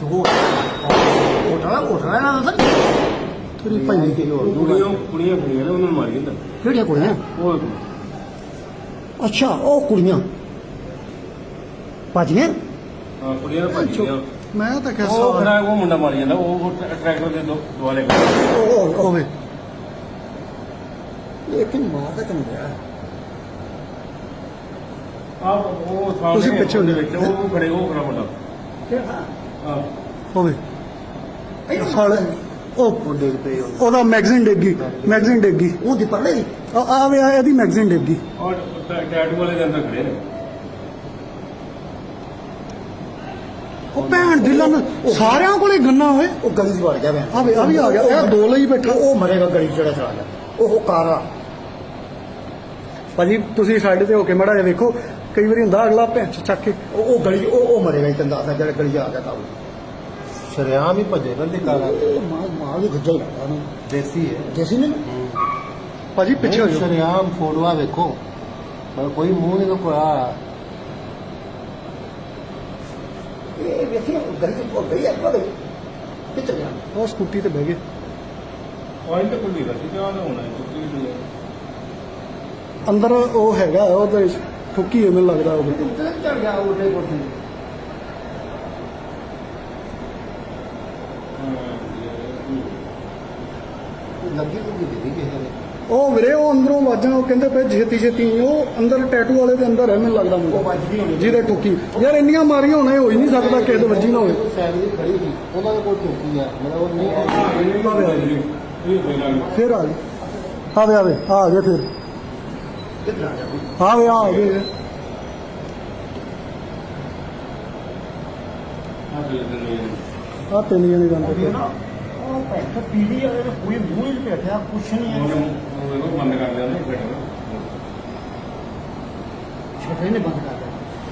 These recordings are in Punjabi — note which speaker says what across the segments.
Speaker 1: ਹੋਟਲ ਨਾ ਦੱਸ
Speaker 2: ਤੇਰੀ ਭਾਈ
Speaker 3: ਕੁੜੀਆਂ ਉਹਨਾਂ ਨੂੰ ਮਾਰੀ ਜਾਂਦਾ
Speaker 1: ਕਿਹੜੀਆਂ ਕੁੜੀਆਂ
Speaker 3: ਉਹ
Speaker 1: ਅੱਛਾ ਉਹ ਕੁੜੀਆਂ ਭਾਜੀਆਂ
Speaker 3: ਹਾਂ ਕੁੜੀਆਂ ਦਾ ਭਾਜੀਆਂ
Speaker 2: ਮੈਂ ਤਾਂ ਕਿਹਾ
Speaker 3: ਉਹ ਖੜਾ ਉਹ ਮੁੰਡਾ ਮਾਰੀ ਜਾਂਦਾ ਉਹ ਟਰੈਕਟਰ ਦੇ ਦੁਆਲੇ
Speaker 1: ਉਹ
Speaker 2: ਹੋਵੇ
Speaker 1: ਲੇਕਿਨ ਮਾਰ ਤਾਂ ਕਿਉਂ ਗਿਆ
Speaker 3: ਉਹ ਸਾਹਮਣੇ
Speaker 2: ਤੁਸੀਂ ਪਿੱਛੇ ਹੋ ਜਾਓ।
Speaker 3: ਉਹ ਖੜੇ ਉਹ ਖੜਾ ਮੁੰਡਾ
Speaker 1: ਕਿਹੜਾ
Speaker 3: ਹਾਂ
Speaker 2: ਹੋਵੇ
Speaker 1: ਇਹਨੂੰ
Speaker 2: ਸਾਲੇ ਉਹ ਡਿੱਗ ਪਈ ਉਹਦਾ ਮੈਗਜ਼ੀਨ ਡਿੱਗੀ
Speaker 1: ਉਹ ਦੀ ਪਰਲੇ ਦੀ
Speaker 2: ਆ ਵੇ ਇਹਦੀ ਮੈਗਜ਼ੀਨ ਡਿੱਗੀ
Speaker 3: ਔਰ ਟੈਟੂ ਵਾਲੇ ਦੇ ਅੰਦਰ ਖੜੇ ਨੇ
Speaker 2: ਉਹ ਭੈਣ ਦੀ ਲੰਨ ਸਾਰਿਆਂ ਕੋਲੇ ਗੰਨਾ ਹੋਏ
Speaker 1: ਉਹ ਗਲੀ ਚ ਵੜ ਗਿਆ ਮੈਂ
Speaker 2: ਆ ਵੀ ਆ ਗਿਆ ਇਹ ਦੋ ਲਈ ਬੈਠਾ
Speaker 1: ਉਹ ਮਰੇਗਾ ਗਲੀ ਚ ਜਿਹੜਾ ਚਲਾ ਗਿਆ ਉਹ ਕਾਰਾ
Speaker 2: ਭਾਜੀ ਤੁਸੀਂ ਸਾਈਡ ਤੇ ਹੋ ਕੇ ਮੜਾ ਜਿਹਾ ਵੇਖੋ ਕਈ ਵਾਰੀ ਹੁੰਦਾ ਅਗਲਾ ਭੈਣ ਚ ਚੱਕ ਕੇ
Speaker 1: ਉਹ ਗਲੀ ਉਹ ਮਰੇਗਾ ਇਤਨ ਦਾ ਜਿਹੜਾ ਗਲੀ ਚ ਆ ਗਿਆ ਤਾਂ
Speaker 4: ਸ਼ਰਿਆਮ ਹੀ ਭਜੇਗਾ ਦਿਖਾਣਾ
Speaker 1: ਮਾਂ ਦੀ ਗੁੱਜਾ ਹੀ ਲੱਗਦਾ ਉਹਨੂੰ
Speaker 4: ਦੇਸੀ ਹੈ
Speaker 1: ਦੇਸੀ ਨੇ
Speaker 2: ਭਾਜੀ ਪਿੱਛੇ ਹੋ ਜਾਓ
Speaker 4: ਸ਼ਰਿਆਮ ਫੋਟੋਆਂ ਵੇਖੋ ਪਰ ਕੋਈ ਮੂੰਹ ਨਹੀਂ ਕੋਇਆ
Speaker 1: ਇਹ ਵੇਖੀ ਗਲੀ ਚ ਉਹ ਗਈ ਅੱਗਾ ਗਈ ਕਿੱਥੇ ਗਿਆ
Speaker 2: ਉਹ ਸਕੂਟੀ ਤੇ ਬਹਿ ਗਏ
Speaker 3: ਪੁਆਇੰਟ ਤੇ ਖੁੱਲੀ ਰਹੀ ਕਿਆ ਹੋਣਾ ਹੈ ਕੁੱਤੀ ਵੀ
Speaker 2: ਅੰਦਰ ਉਹ ਹੈਗਾ ਉਹਦੇ ਠੁੱਕੀ ਐ ਮੈਨੂੰ ਲੱਗਦਾ ਉਹ
Speaker 1: ਕਿੱਥੇ ਚੜ ਗਿਆ ਉਹਦੇ ਕੋਲ ਲੱਗੀ ਕੋਈ ਦਿੱਤੀ ਕਿਸੇ ਨੇ
Speaker 2: ਉਹ ਵੀਰੇ ਉਹ ਅੰਦਰੋਂ ਵਾਜਾਂ ਉਹ ਕਹਿੰਦੇ ਪਏ ਛੇਤੀ ਉਹ ਅੰਦਰ ਟੈਟੂ ਵਾਲੇ ਦੇ ਅੰਦਰ ਹੈ ਮੈਨੂੰ ਲੱਗਦਾ
Speaker 1: ਉਹ
Speaker 2: ਮੁੰਡਾ
Speaker 1: ਵੱਜ ਗਈ ਹੋਣੀ
Speaker 2: ਜਿਹਦੇ ਠੁੱਕੀ ਯਾਰ ਇੰਨੀਆਂ ਮਾਰੀਆਂ ਹੋਣਾ ਹੋ ਹੀ ਨਹੀਂ ਸਕਦਾ ਕਿਸੇ ਦੇ ਵੱਜੀ ਨਾ ਹੋਵੇ
Speaker 4: ਸਾਈਡ ਦੀ ਖੜੀ ਸੀ ਉਹਨਾਂ ਦੇ ਕੋਲ ਟੋਕੀ ਆ ਮਤਲਬ ਉਹ ਨਹੀਂ
Speaker 2: ਫਿਰ ਆ ਗਏ ਆਵੇ ਆ ਗਏ ਫਿਰ
Speaker 1: ਕਿੱਥੇ ਆ ਗਿਆ
Speaker 2: ਆਵੇ ਆ ਗਏ ਆ ਤਿੰਨ ਜਣੇ ਜਾਂਦੇ
Speaker 1: ਨਾ ਉਹ ਭੈਣ ਪੀੜੀ ਵਾਲੇ ਨੇ ਕੋਈ ਮੂੰਹ ਹੀ ਨਹੀਂ ਬੈਠਿਆ ਕੁਛ ਨਹੀਂ ਹੈ
Speaker 3: ਉਹ ਬੰਦ ਕਰ ਦਿੰਦੇ ਨੇ
Speaker 1: ਛੱਡੇ ਨੇ ਬੰਦ ਕਰ ਦਿੱਤਾ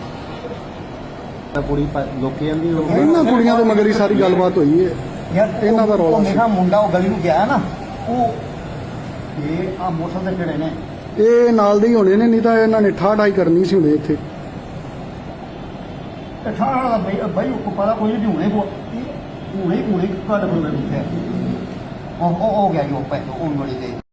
Speaker 4: ਕੁੜੀ ਲੋਕੀ ਆਂਦੀ ਉਹ
Speaker 2: ਇਹਨਾਂ ਕੁੜੀਆਂ ਦੇ ਮਗਰ ਹੀ ਸਾਰੀ ਗੱਲਬਾਤ ਹੋਈ ਹੈ
Speaker 1: ਯਾਰ
Speaker 2: ਇਹਨਾਂ ਦਾ ਰੌਲਾ
Speaker 1: ਉਹ
Speaker 2: ਸੀ।
Speaker 1: ਮੇਰਾ ਮੁੰਡਾ ਉਹ ਗਲੀ ਨੂੰ ਗਿਆ ਨਾ ਉਹ ਇਹ ਆ ਮੋਟਰਸਾਈਕਲ ਕਿਹੜੇ ਨੇ
Speaker 2: ਇਹ ਨਾਲ ਦੇ ਹੀ ਹੋਣੇ ਨੇ ਨਹੀਂ ਤਾਂ ਇਹਨਾਂ ਨੇ ਠਾਠਾਈ ਕਰਨੀ ਸੀ ਹੁਣੇ ਇੱਥੇ
Speaker 1: ਠਾਣਾ ਦਾ ਬਈ ਉਹ ਪਤਾ ਕੋਈ ਨਹੀਂ ਹੁਣੇ ਕੱਢ ਬੋਲੇ ਦਿੱਤੇ ਉਹ ਹੋ ਗਿਆ ਜੋ ਪੈਸੇ ਉਹ ਮੜੀ ਦੇ